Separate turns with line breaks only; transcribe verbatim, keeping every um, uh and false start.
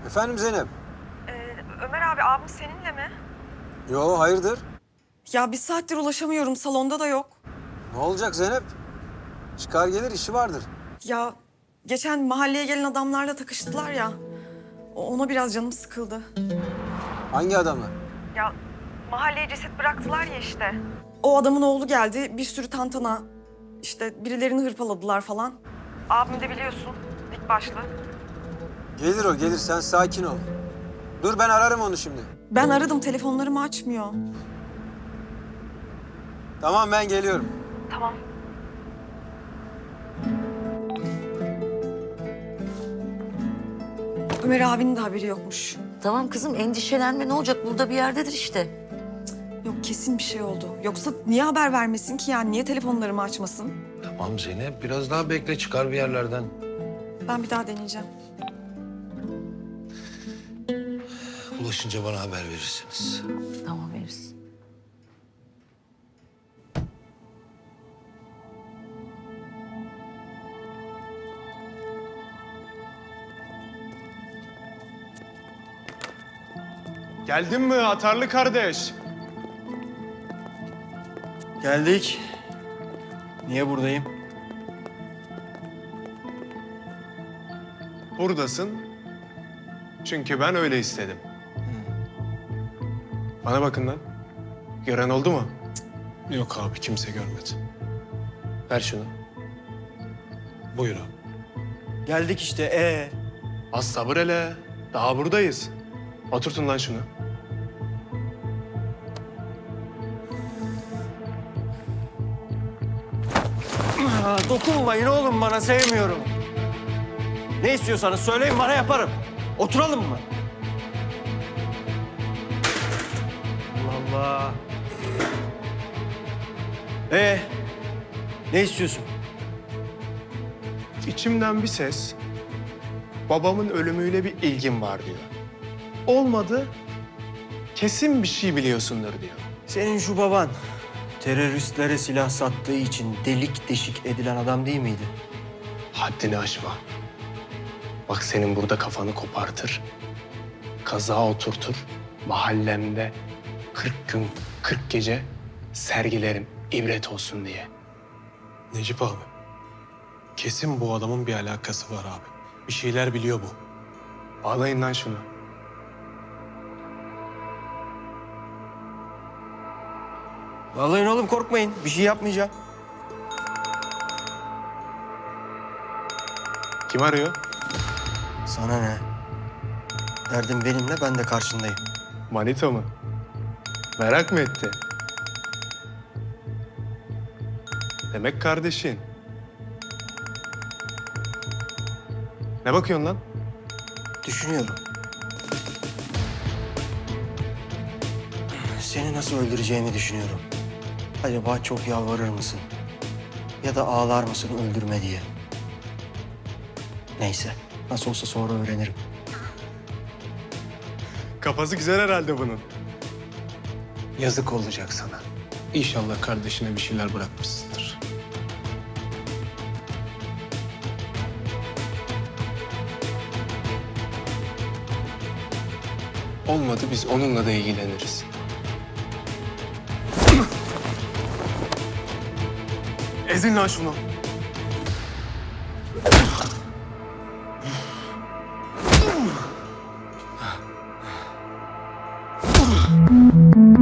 Efendim Zeynep?
Ee, Ömer abi abim seninle mi?
Yo, hayırdır?
Ya bir saattir ulaşamıyorum, salonda da yok.
Ne olacak Zeynep? Çıkar gelir, işi vardır.
Ya geçen mahalleye gelen adamlarla takıştılar ya. o- Ona biraz canım sıkıldı.
Hangi adamı?
Ya mahalleye ceset bıraktılar ya işte. O adamın oğlu geldi, bir sürü tantana. İşte birilerini hırpaladılar falan. Abim de biliyorsun, dik başlı.
Gelir o, gelir. Sen sakin ol. Dur, ben ararım onu şimdi.
Ben aradım, telefonlarımı açmıyor.
Tamam, ben geliyorum.
Tamam. Ömer abinin de haberi yokmuş.
Tamam kızım endişelenme ne olacak burada bir yerdedir işte.
Yok, kesin bir şey oldu. Yoksa niye haber vermesin ki yani? Niye telefonlarımı açmasın?
Tamam Zeynep, biraz daha bekle, çıkar bir yerlerden.
Ben bir daha deneyeceğim.
Ulaşınca bana haber verirsiniz.
Tamam veririz.
Geldin mi atarlı kardeş?
Geldik. Niye buradayım?
Buradasın. Çünkü ben öyle istedim. Bana bakın lan. Gören oldu mu?
Yok abi, kimse görmedi.
Ver şunu.
Buyur abi.
Geldik işte. Ee.
Az sabır hele. Daha buradayız. Oturtun lan şunu.
Aa, dokunmayın oğlum bana, sevmiyorum. Ne istiyorsanız söyleyin, bana yaparım. Oturalım mı? Allah Allah. Ee, ne istiyorsun?
İçimden bir ses babamın ölümüyle bir ilgin var diyor. Olmadı, kesin bir şey biliyorsundur diyor.
Senin şu baban teröristlere silah sattığı için delik deşik edilen adam değil miydi?
Haddini aşma. Bak senin burada kafanı kopartır, kaza oturtur, mahallemde kırk gün, kırk gece sergilerim ibret olsun diye.
Necip abi, kesin bu adamın bir alakası var abi. Bir şeyler biliyor bu.
Bağlayın lan şunu.
Vallahi oğlum korkmayın, bir şey yapmayacağım.
Kim arıyor?
Sana ne? Derdin benimle, ben de karşındayım.
Manito mu? Merak mı etti? Demek kardeşin. Ne bakıyorsun lan?
Düşünüyorum. Seni nasıl öldüreceğimi düşünüyorum. Acaba çok yalvarır mısın? Ya da ağlar mısın öldürme diye? Neyse, nasıl olsa sonra öğrenirim.
Kafası güzel herhalde bunun.
Yazık olacak sana. İnşallah kardeşine bir şeyler bırakmışsındır.
Olmadı biz onunla da ilgileniriz. Ezin lan şunu.